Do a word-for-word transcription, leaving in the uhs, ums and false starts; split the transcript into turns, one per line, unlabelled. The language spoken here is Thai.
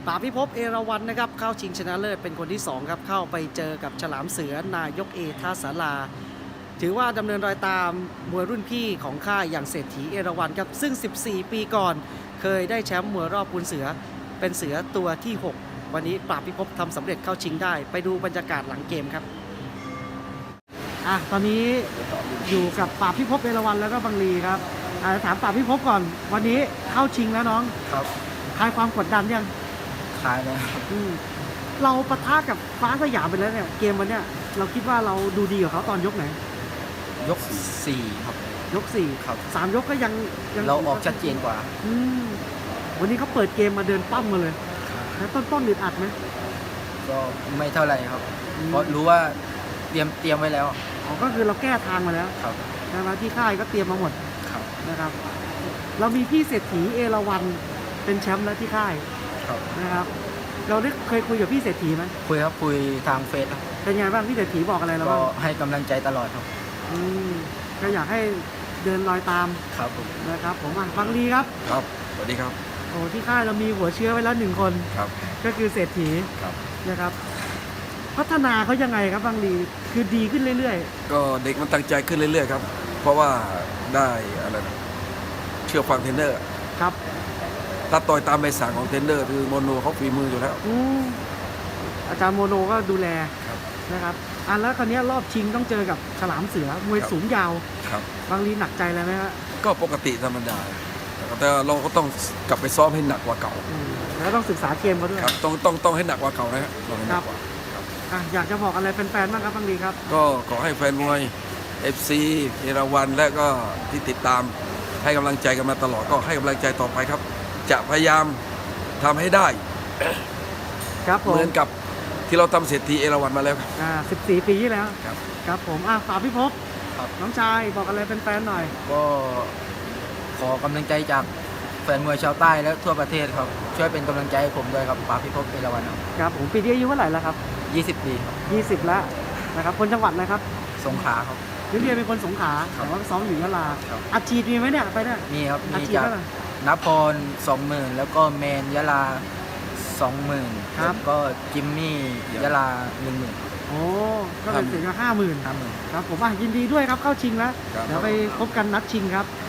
ป่าพิภพเอราวัณนะครับเข้าชิงชนะเลิศเป็นคนที่สองครับเข้าไปเจอกับฉลามเสือนายกเอท่าสาราถือว่าดำเนินรอยตามมวยรุ่นพี่ของค่ายอย่างเศรษฐีเอราวัณครับซึ่งสิบสี่ปีก่อนเคยได้แชมป์มวยรอบปูนเสือเป็นเสือตัวที่หกวันนี้ป่าพิภพทำสำเร็จเข้าชิงได้ไปดูบรรยากาศหลังเกมครับอ่ะตอนนี้อยู่กับป่าพิภพเอราวัณแล้วก็บังลีครับอ่ะถามป่าพิภพก่อนวันนี้เข้าชิงแล้วน้อง
ครับ
คลายความกดดันยัง
ขายเลยครับ
อืมเราปะทะกับฟ้าสยามไปแล้วเนี่ยเกมวันเนี้ยเราคิดว่าเราดูดีกว่าเขาตอนยกไหน
ยกสี่ครับ
ยกสี่
ครับ
สามยกก็ยังยัง
เราออกชัดเจนกว่า
อืมวันนี้เขาเปิดเกมมาเดินปั้มมาเลยแล้วต้นต้นๆอึดอัดไหม
ก็ไม่เท่าไหร่ครับ
อืม
เพราะรู้ว่าเตรียมเตรียมไว้แล้ว
อ๋อก็คือเราแก้ทางมาแล้ว
ครับ
นะครับที่ค่ายก็เตรียมมาหมด
ครับ
นะครับ เรามีพี่เศรษฐีเอราวัณเป็นแชมป์แล้วที่ค่าย
ครับ
นะครับ เราได้เคยคุยกับพี่เศรษฐีไหม
คุยครับคุยทางเฟซครับ
เป็นไงบ้างพี่เศรษฐีบอกอะไรเรา
ก็
บ้าง
ให้กำลังใจตลอดครับ
อืมก็อยากให้เดินรอยตาม
ครับผม
นะครับผมอ่ะบังลีครับ
ครับ สวัสดีครับ
โอ้ที่ค่ายเรามีหัวเชื้อไว้แล้วหนึ่งคน
ครับ
ก็คือเศรษฐี
ครับ
นะครับ พัฒนาเขายังไงครับบางลีคือดีขึ้นเรื่อย
ก็เด็กมันตั้งใจขึ้นเรื่อยๆครับ เพราะว่าได้อะไรนะเชื่อฟังเทรนเนอร์
ๆ ครับ
ถ้าต่อยตามใบสั่งของเทรนเนอร์คือโมโนเขาฝีมืออยู่แล้ว
อืมอาจารย์โมโนก็ดูแล
ครับ
นะครับอ่ะแล้วคราวนี้รอบชิงต้องเจอกับฉลามเสือมวย
ครับ
สูงยาว
ครับ
บางลีหนักใจเลยไหมฮะ
ก็ปกติธรรมดา แต่เราก็ต้องกลับไปซ้อมให้หนักกว่าเก่า
อืมแล้วต้องศึกษาเกมเขาด้วย
ครับ ต้องต้องต้องให้หนักกว่าเก่านะฮะต้องให้หนักกว่า
อ่ะอยากจะบอกอะไรแฟนๆบ้างครับบางลีครับ
ก็ขอให้แฟนมวย เอฟ ซี เอราวัณและก็ที่ติดตามให้กำลังใจกันมาตลอด ก็ให้กำลังใจต่อไปครับ จะพยายามทำให้ได้
ครับผม
เหมือนกับที่เราทำเศรษฐีเอราวัณมาแล้วครับ
อ่าสิบสี่ปีที่แล้ว
ครับ
ครับผมอ่ะฝากพี่ภพ
ครับ
น้องชายบอกอะไรแฟนๆหน่อย
ก็ขอกำลังใจจากแฟนมวยชาวใต้และทั่วประเทศครับ ช่วยเป็นกำลังใจให้ผมด้วยครับป๋าพิภพเอราวัณครับ
ครับผมปีนี้อายุเท่าไหร่แล้วครับ
ยี่สิบปีครับ
ยี่สิบแล้วนะครับคนจังหวัดอะไรครับ
สงขลาครับ
พี่เรียนเป็นคนสงขลา
ครับ
แต่ว่าซ้อมอยู่ยะลา
ครับ
อาชีพมีไหมเนี่ยไปเนี่ย
มีครับ
อา
มี
ชีพ
จาก
เท่าไหร่
นพรสองหมื่นแล้วก็แมนยะลาสองหมื่น
ครับ
แล้วก็จิมมี่ยะลาหนึ่งหมื่น
โอ้ก็เป็นเสียงห้าหมื่น
ห้าหมื่น
ครับผมอ่ะยินดีด้วยครับเข้าชิงแล้ว
ครับ
เดี๋ยวไปพบกันนัดชิงครับ
ค